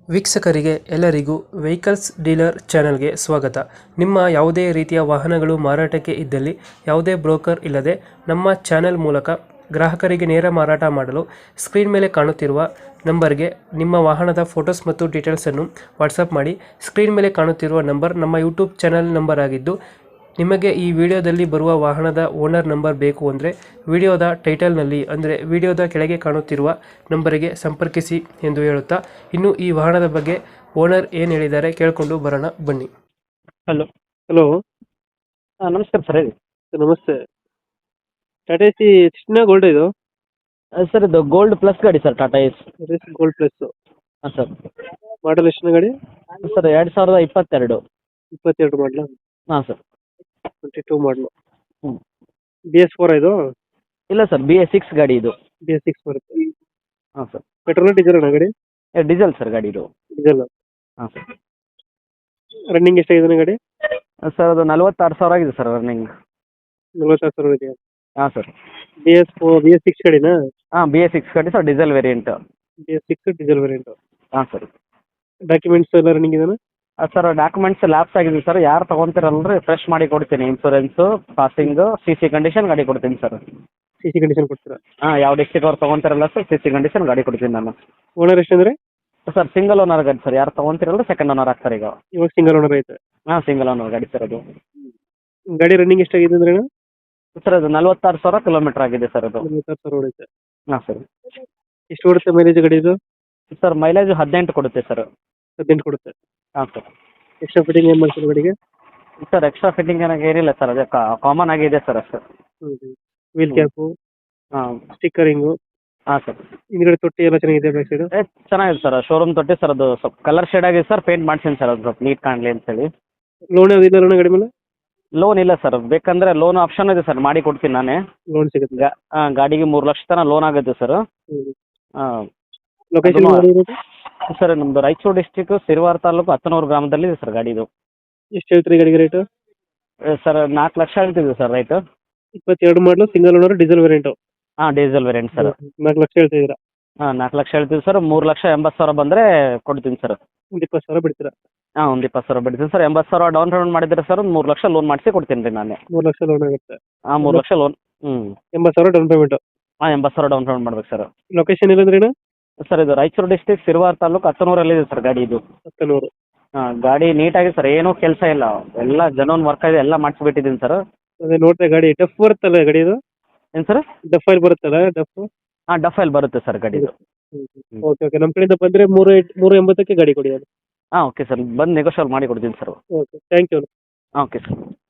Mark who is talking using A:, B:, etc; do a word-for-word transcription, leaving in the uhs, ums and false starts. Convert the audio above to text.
A: ವೀಕ್ಷಕರಿಗೆ ಎಲ್ಲರಿಗೂ vehicles dealer ಚಾನೆಲ್ಗೆ ಸ್ವಾಗತ. ನಿಮ್ಮ ಯಾವುದೇ ರೀತಿಯ ವಾಹನಗಳು ಮಾರಾಟಕ್ಕೆ ಇದ್ದಲ್ಲಿ ಯಾವುದೇ ಬ್ರೋಕರ್ ಇಲ್ಲದೆ ನಮ್ಮ ಚಾನೆಲ್ ಮೂಲಕ ಗ್ರಾಹಕರಿಗೆ ನೇರ ಮಾರಾಟ ಮಾಡಲು ಸ್ಕ್ರೀನ್ ಮೇಲೆ ಕಾಣುತ್ತಿರುವ ನಂಬರ್ಗೆ ನಿಮ್ಮ ವಾಹನದ ಫೋಟೋಸ್ ಮತ್ತು ಡೀಟೇಲ್ಸನ್ನು ವಾಟ್ಸಪ್ ಮಾಡಿ. ಸ್ಕ್ರೀನ್ ಮೇಲೆ ಕಾಣುತ್ತಿರುವ ನಂಬರ್ ನಮ್ಮ ಯೂಟ್ಯೂಬ್ ಚಾನೆಲ್ ನಂಬರ್ ಆಗಿದ್ದು, ನಿಮಗೆ ಈ ವಿಡಿಯೋದಲ್ಲಿ ಬರುವ ವಾಹನದ ಓನರ್ ನಂಬರ್ ಬೇಕು ಅಂದರೆ ವಿಡಿಯೋದ ಟೈಟಲ್ನಲ್ಲಿ ಅಂದರೆ ವಿಡಿಯೋದ ಕೆಳಗೆ ಕಾಣುತ್ತಿರುವ ನಂಬರಿಗೆ ಸಂಪರ್ಕಿಸಿ ಎಂದು ಹೇಳುತ್ತಾ, ಇನ್ನು ಈ ವಾಹನದ ಬಗ್ಗೆ ಓನರ್ ಏನು ಹೇಳಿದ್ದಾರೆ ಕೇಳಿಕೊಂಡು ಬರೋಣ ಬನ್ನಿ. ಹಲೋ ಹಲೋ
B: ಹಾಂ ನಮಸ್ಕಾರ ಸರ್ ಹೇಳಿ.
A: ನಮಸ್ತೆ. ಟಾಟಾ ಎಸಿ ಚಿನ್ನ ಗೋಲ್ಡ್ ಇದು
B: ಸರ್ ಇದು ಗೋಲ್ಡ್ ಪ್ಲಸ್ ಗಾಡಿ sir, Tata Ace.
A: Gold plus.
B: ಹಾಂ ಸರ್.
A: ಮಾಡಲ್ ಎಷ್ಟು ಗಾಡಿ?
B: ಸರ್ ಎರಡು ಸಾವಿರದ ಇಪ್ಪತ್ತೆರಡು.
A: ಇಪ್ಪತ್ತೆರಡು ಮಾಡಲ?
B: ಹಾಂ ಸರ್.
A: ಟ್ವೆಂಟಿ ಟೂ ಮಾಡಲು.
B: ಹ್ಞೂ.
A: ಬಿ ಎಸ್ ಫೋರ್ ಇದು?
B: ಇಲ್ಲ ಸರ್, ಬಿ ಎಸ್ ಸಿಕ್ಸ್ ಗಾಡಿ ಇದು.
A: ಬಿ ಎಸ್ ಸಿಕ್ಸ್ ಬರುತ್ತೆ.
B: ಹಾಂ ಸರ್.
A: ಪೆಟ್ರೋಲ್ ಡೀಸೆಲ್ ಅಣ್ಣ ಗಾಡಿ?
B: ಡೀಸೆಲ್ ಸರ್ ಗಾಡಿ ಇದು.
A: ಡೀಸೆಲ್.
B: ಹಾಂ ಸರ್.
A: ರನ್ನಿಂಗ್ ಎಷ್ಟಾಗಿದೆ ಗಾಡಿ?
B: ಸರ್ ಅದು ನಲ್ವತ್ತಾರು ಸಾವಿರ ಆಗಿದೆ ಸರ್ ರನ್ನಿಂಗ್.
A: ನಲ್ವತ್ತಾರು ಸಾವಿರ ಇದೆಯಾ?
B: ಹಾಂ sir.
A: B S four B S six ಗಾಡಿನಾ?
B: ಹಾಂ ಬಿ ಎಸ್ ಸಿಕ್ಸ್ ಗಾಡಿ sir, diesel variant.
A: B S six diesel variant.
B: ಹಾಂ ಸರ್.
A: ಡಾಕ್ಯುಮೆಂಟ್ಸ್ ಎಲ್ಲ ರನ್ನಿಂಗ್ ಇದೆಯಾ?
B: ಸರ್ ಡಾಕ್ಯುಮೆಂಟ್ಸ್ ಲ್ಯಾಪ್ಸ್ ಆಗಿದೆ ಸರ್. ಯಾರು ತೊಗೊತೀರಲ್ರಿ ಫ್ರೆಶ್ ಮಾಡಿ ಕೊಡ್ತೀನಿ. Insurance, passing, C C condition ಗಾಡಿ ಕೊಡ್ತೀನಿ ಸರ್.
A: ಸಿ ಸಿ ಕಂಡೀಷನ್ ಕೊಡ್ತೀರಾ?
B: ಹಾಂ, ಯಾವ ಡಿಸ್ಟಿಕ್ ಅವ್ರು ತೊಗೊತಾರಲ್ಲ ಸರ್, ಸಿ ಸಿ ಕಂಡೀಷನ್ ಗಾಡಿ ಕೊಡ್ತೀನಿ ನಾನು.
A: ಓನರ್ ಎಷ್ಟಂದ್ರೆ?
B: ಸರ್ ಸಿಂಗಲ್ ಓನರ್ ಗಾಡಿ ಸರ್. ಯಾರು ತೊಗೊತೀರಲ್ಲ ಸೆಕೆಂಡ್ ಓನರ್ ಆಗ್ತಾರೆ ಈಗ.
A: ಇವಾಗ ಸಿಂಗಲ್ ಓನರ್ ಐತೆ?
B: ಹಾಂ ಸಿಂಗಲ್ ಓನರ್ ಗಾಡಿ ಸರ್ ಅದು.
A: ಗಾಡಿ ರನ್ನಿಂಗ್ ಎಷ್ಟಾಗಿದೆ ಅಂದ್ರೆ?
B: ಸರ್ ಅದು ನಲ್ವತ್ತಾರು ಸಾವಿರ ಕಿಲೋಮೀಟರ್ ಆಗಿದೆ ಸರ್ ಅದು.
A: ನಲ್ವತ್ತಾರು ಸಾವಿರ ಹೊಡೈತೆ.
B: ಹಾಂ ಸರ್.
A: ಎಷ್ಟು ಕೊಡುತ್ತೆ ಮೈಲೇಜ್ ಗಾಡಿ ಇದು?
B: ಸರ್ ಮೈಲೇಜ್ ಹದಿನೆಂಟು ಕೊಡುತ್ತೆ ಸರ್.
A: ಹದಿನೆಂಟು ಕೊಡುತ್ತೆ.
B: ಹಾಂ ಸರ್.
A: ಎಕ್ಸ್ಟ್ರಾ ಫಿಟ್ಟಿಂಗ್ ಏನು ಮಾಡ್ತೀರಾ ಗಾಡಿಗೆ?
B: ಸರ್ ಎಕ್ಸ್ಟ್ರಾ ಫಿಟ್ಟಿಂಗ್ ಏನಾಗ ಏನಿಲ್ಲ ಸರ್, ಅದೇ ಕಾಮನ್ ಆಗಿದೆ ಸರ್ ಅಷ್ಟು.
A: ಹ್ಞೂ ಹ್ಞೂ. ವೀಲ್ ಕ್ಯಾಪು,
B: ಹಾಂ
A: ಸ್ಟಿಕ್ಕರಿಂಗು.
B: ಹಾಂ ಸರ್.
A: ಹಿಂದ್ಗಡೆ ತೊಟ್ಟಿ ಎಲ್ಲ ಚೆನ್ನಾಗಿದೆ ಬ್ಯಾಕ್ ಸೈಡು?
B: ಏ ಚೆನ್ನಾಗಿದೆ ಸರ್. ಶೋರೂಮ್ ತೊಟ್ಟಿ ಸರ್, ಅದು ಸ್ವಲ್ಪ ಕಲರ್ ಶೇಡ್ ಆಗಿದೆ ಸರ್. ಪೇಂಟ್ ಮಾಡ್ಸೀನಿ ಸರ್, ಅದು ಸ್ವಲ್ಪ ನೀಟ್ ಕಾಣಲಿ ಅಂತೇಳಿ.
A: ಲೋನ್ ಯಾವ್ದು ಇಲ್ಲ ಗಾಡಿ ಮೇಲೆ?
B: ಲೋನ್ ಇಲ್ಲ ಸರ್. ಬೇಕಂದರೆ ಲೋನ್ ಆಪ್ಷನ್ ಇದೆ ಸರ್, ಮಾಡಿ ಕೊಡ್ತೀನಿ ನಾನೇ.
A: ಲೋನ್ ಸಿಗುತ್ತೆ?
B: ಗಾ ಹಾಂ, ಗಾಡಿಗೆ ಮೂರು ಲಕ್ಷ ತನಕ ಲೋನ್ ಆಗುತ್ತೆ ಸರ್.
A: ಹ್ಞೂ.
B: ಹಾಂ.
A: ಲೊಕೇಶನ್
B: ಸರ್ ನಮ್ಮದು ರಾಯಚೂರು ಡಿಸ್ಟಿಕ್ ಸಿರಿವಾರ ತಾಲೂಕು ಹತ್ತನೂರು ಗ್ರಾಮದಲ್ಲಿದೆ ಸರ್ ಗಾಡಿ ಇದು.
A: ಎಷ್ಟು ಹೇಳ್ತೀರಿ ಗಾಡಿಗೆ ರೇಟು?
B: ಸರ್ ನಾಲ್ಕು ಲಕ್ಷ ಹೇಳ್ತಿದ್ವಿ ಸರ್ ರೈಟು.
A: ಇಪ್ಪತ್ತೆರಡು model, single owner, diesel variant?
B: ಹಾಂ ಡೀಸೆಲ್ ವೇರಿಯಂಟ್ ಸರ್.
A: ನಾಲ್ಕು ಲಕ್ಷ ಹೇಳ್ತಿದ್ದೀರಾ?
B: ಹಾಂ ನಾಲ್ಕು ಲಕ್ಷ ಹೇಳ್ತೀವಿ ಸರ್. ಮೂರು ಲಕ್ಷ ಎಂಬತ್ತು ಸಾವಿರ ಬಂದರೆ ಕೊಡ್ತೀನಿ ಸರ್.
A: ಒಂದು ಇಪ್ಪತ್ತು ಸಾವಿರ ಬಿಡ್ತೀರಾ?
B: ಹಾಂ ಒಂದು ಇಪ್ಪತ್ತು ಸಾವಿರ ಬಿಡ್ತೀನಿ ಸರ್. ಎಂಬತ್ತು ಸಾವಿರ ಡೌನ್ ಪೇಮೆಂಟ್ ಮಾಡಿದ್ರೆ ಸರ್ ಒಂದು ಮೂರು ಲಕ್ಷ ಲೋನ್ ಮಾಡಿಸಿ ಕೊಡ್ತೀನಿ ರೀ ನಾನೇ.
A: ಮೂರು ಲಕ್ಷ ಲೋನ್ ಆಗುತ್ತೆ?
B: ಹಾಂ ಮೂರು ಲಕ್ಷ ಲೋನ್. ಹ್ಞೂ.
A: ಎಂಬತ್ತು ಸಾವಿರ ಡೌನ್ ಪೇಮೆಂಟು?
B: ಹಾಂ ಎಂಬತ್ತು ಸಾವಿರ ಡೌನ್ ಪೇಮೆಂಟ್ ಮಾಡ್ಬೇಕು ಸರ್.
A: ಲೊಕೇಶನ್ ಇಲ್ಲಂದ್ರೇನು?
B: ಸರ್ ಇದು ರಾಯಚೂರು ಡಿಸ್ಟಿಕ್ ಸಿರಿವಾರ ತಾಲೂಕು ಹತ್ತನೂರಲ್ಲಿದೆ ಸರ್ ಗಾಡಿ ಇದು.
A: ಹತ್ತನೂರು.
B: ಹಾಂ ಗಾಡಿ ನೀಟಾಗಿ ಸರ್, ಏನೂ ಕೆಲಸ ಇಲ್ಲ. ಎಲ್ಲ ಜನೋನ್ ವರ್ಕ್ ಇದೆ, ಎಲ್ಲ ಮಾಡಿಸ್ಬಿಟ್ಟಿದ್ದೀನಿ ಸರ್.
A: ಅದೇ ನೋಡ್ದೆ ಗಾಡಿ ಡಫ್ ಬರುತ್ತಲ್ಲ ಗಾಡಿ ಇದು?
B: ಏನು ಸರ್?
A: ಡಫ್ ಆಯಿಲ್ ಬರುತ್ತಲ್ಲ ಡಫ್?
B: ಹಾಂ ಡಫ್ ಆಯಿಲ್ ಬರುತ್ತೆ ಸರ್ ಗಾಡಿದು.
A: Okay okay. ನಮ್ಮ ಕಡೆಯಿಂದ ಬಂದರೆ ಮೂರು ಮೂರು ಎಂಬತ್ತಕ್ಕೆ ಗಾಡಿ ಕೊಡಿ.
B: ಹಾಂ ಓಕೆ ಸರ್, ಬಂದು ನೆಗೋಷಿಯೇಟ್ ಮಾಡಿ ಕೊಡ್ತೀನಿ ಸರ್.
A: Okay thank you.
B: ಹಾಂ ಓಕೆ ಸರ್.